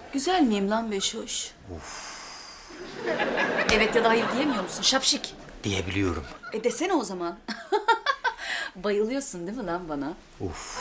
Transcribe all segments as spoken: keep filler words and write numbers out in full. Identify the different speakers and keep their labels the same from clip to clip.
Speaker 1: Güzel miyim lan Beşoş? Evet ya da hayır diyemiyor musun şapşik?
Speaker 2: Diyebiliyorum.
Speaker 1: E desene o zaman. Bayılıyorsun değil mi lan bana?
Speaker 2: Uf.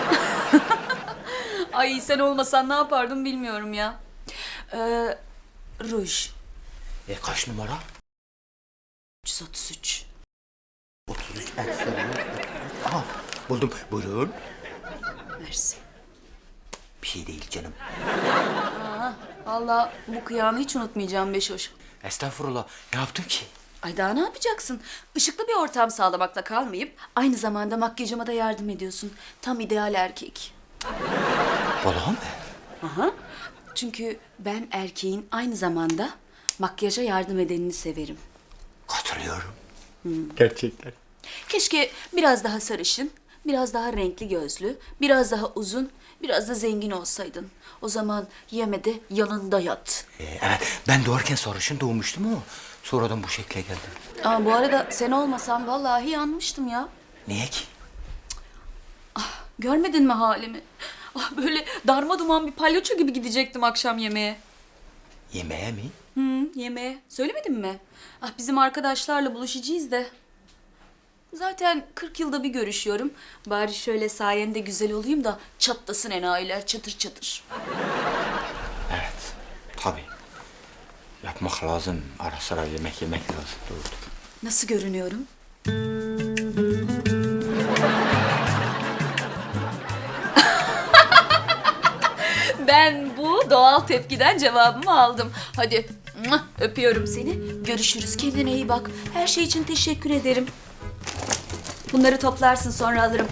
Speaker 1: Ay sen olmasan ne yapardım bilmiyorum ya. Ee, ruj.
Speaker 2: E kaç numara?
Speaker 1: üç yüz otuz üç.
Speaker 2: otuz üç ekstra. Aha buldum. Buyurun.
Speaker 1: Mersi.
Speaker 2: Bir şey değil canım.
Speaker 1: Vallahi bu kıyağını hiç unutmayacağım Beşoş.
Speaker 2: Estağfurullah. Ne yaptım ki?
Speaker 1: Ay daha ne yapacaksın? Işıklı bir ortam sağlamakla kalmayıp aynı zamanda makyajıma da yardım ediyorsun. Tam ideal erkek.
Speaker 2: Vallahi mı?
Speaker 1: Aha. Çünkü ben erkeğin aynı zamanda makyaja yardım edenini severim.
Speaker 2: Katılıyorum. Gerçekten.
Speaker 1: Keşke biraz daha sarışın, biraz daha renkli gözlü, biraz daha uzun, biraz da zengin olsaydın. O zaman yemede yanında yat.
Speaker 2: E, evet ben doğarken sarışın doğmuştum ama sonradan bu şekle geldim.
Speaker 1: Aa, bu arada sen olmasan vallahi yanmıştım ya.
Speaker 2: Niye ki?
Speaker 1: Görmedin mi halimi? Ah, böyle darma duman bir palyaço gibi gidecektim akşam yemeğe.
Speaker 2: Yemeğe mi?
Speaker 1: Hı, yemeğe. Söylemedim mi? Ah, bizim arkadaşlarla buluşacağız da. Zaten kırk yılda bir görüşüyorum. Bari şöyle sayende güzel olayım da çatlasın enayiler çatır çatır.
Speaker 2: Evet. Tabii. Yapmak lazım. Ara sıra yemek yemek lazım. Doğrudur.
Speaker 1: Nasıl görünüyorum? Ben bu doğal tepkiden cevabımı aldım. Hadi muah, öpüyorum seni. Görüşürüz. Kendine iyi bak. Her şey için teşekkür ederim. Bunları toplarsın sonra alırım.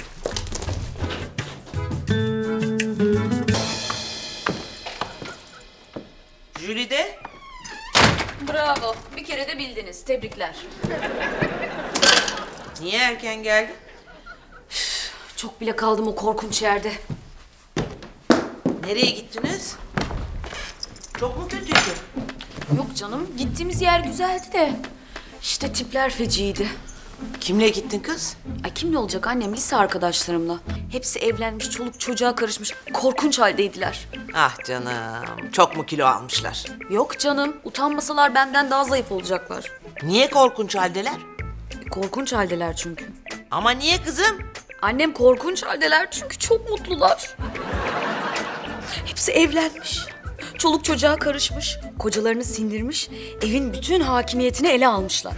Speaker 3: Jülide,
Speaker 1: Bravo. Bir kere de bildiniz. Tebrikler.
Speaker 3: niye erken geldin?
Speaker 1: Çok bile kaldım o korkunç yerde.
Speaker 3: Nereye gittiniz? Çok mu kötüydü?
Speaker 1: Yok canım. Gittiğimiz yer güzeldi de. İşte tipler feciydi.
Speaker 3: Kimle gittin kız?
Speaker 1: Ay kimle olacak annem? Lise arkadaşlarımla. Hepsi evlenmiş, çoluk çocuğa karışmış. Korkunç haldeydiler.
Speaker 3: Ah canım, çok mu kilo almışlar?
Speaker 1: Yok canım. Utanmasalar benden daha zayıf olacaklar.
Speaker 3: Niye korkunç haldeler?
Speaker 1: E, korkunç haldeler çünkü.
Speaker 3: Ama niye kızım?
Speaker 1: Annem korkunç haldeler çünkü çok mutlular. Hepsi evlenmiş. Çoluk çocuğa karışmış. Kocalarını sindirmiş. Evin bütün hakimiyetini ele almışlar.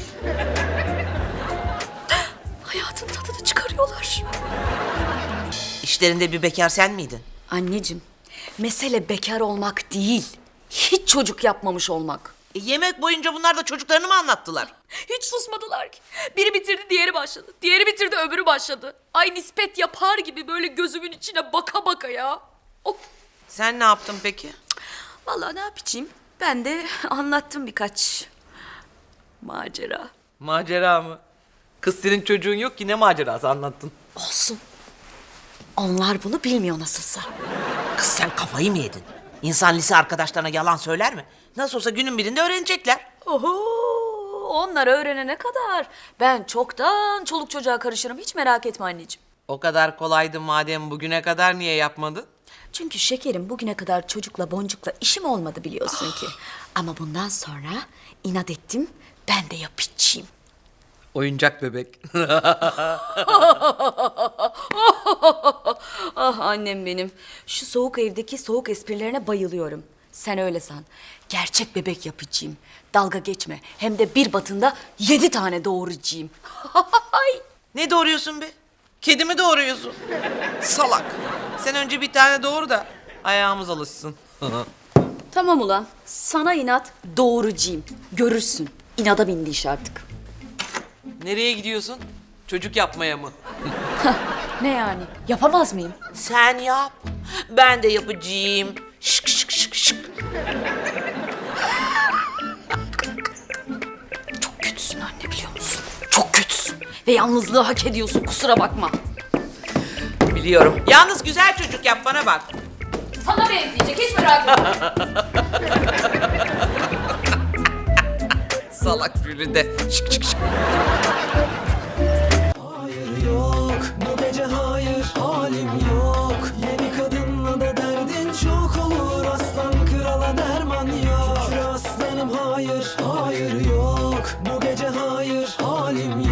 Speaker 1: Hayatın tadını çıkarıyorlar.
Speaker 3: İşlerinde bir bekar sen miydin?
Speaker 1: Anneciğim, mesele bekar olmak değil. Hiç çocuk yapmamış olmak.
Speaker 3: E, yemek boyunca bunlar da çocuklarını mı anlattılar?
Speaker 1: Hiç susmadılar ki. Biri bitirdi, diğeri başladı. Diğeri bitirdi, öbürü başladı. Ay nispet yapar gibi böyle gözümün içine baka baka ya. Of.
Speaker 3: Sen ne yaptın peki?
Speaker 1: Vallahi ne yapayım? Ben de anlattım birkaç macera.
Speaker 3: Macera mı? Kız senin çocuğun yok ki ne macerası anlattın?
Speaker 1: Olsun. Onlar bunu bilmiyor nasılsa.
Speaker 3: Kız sen kafayı mı yedin? İnsan lise arkadaşlarına yalan söyler mi? Nasıl olsa günün birinde öğrenecekler.
Speaker 1: Oho, onlar öğrenene kadar ben çoktan çoluk çocuğa karışırım. Hiç merak etme anneciğim.
Speaker 3: O kadar kolaydı madem bugüne kadar niye yapmadın?
Speaker 1: Çünkü şekerim bugüne kadar çocukla boncukla işim olmadı biliyorsun ki. Ama bundan sonra inat ettim, ben de yapacağım.
Speaker 3: Oyuncak bebek.
Speaker 1: Ah annem benim. Şu soğuk evdeki soğuk esprilerine bayılıyorum. Sen öyle san. Gerçek bebek yapacağım. Dalga geçme. Hem de bir batında yedi tane doğuracağım.
Speaker 3: Ne doğuruyorsun be? Kedi mi doğuruyorsun? Salak. Sen önce bir tane doğur da ayağımız alışsın.
Speaker 1: Tamam ulan. Sana inat doğuracağım. Görürsün. İnada bindi iş artık.
Speaker 3: Nereye gidiyorsun? Çocuk yapmaya mı?
Speaker 1: Ne yani? Yapamaz mıyım?
Speaker 3: Sen yap. Ben de yapacağım. Şık şık şık şık.
Speaker 1: Çok kötüsün anne biliyor musun? Çok kötüsün. Ve yalnızlığı hak ediyorsun kusura bakma.
Speaker 3: Biliyorum. Yalnız güzel çocuk yap bana bak.
Speaker 1: Sana benzeyecek hiç merak etme.
Speaker 3: Salak Jülide. Şık şık şık.
Speaker 4: Hayır yok bu gece hayır halim yok. Yeni kadınla da derdin çok olur aslan kral. halim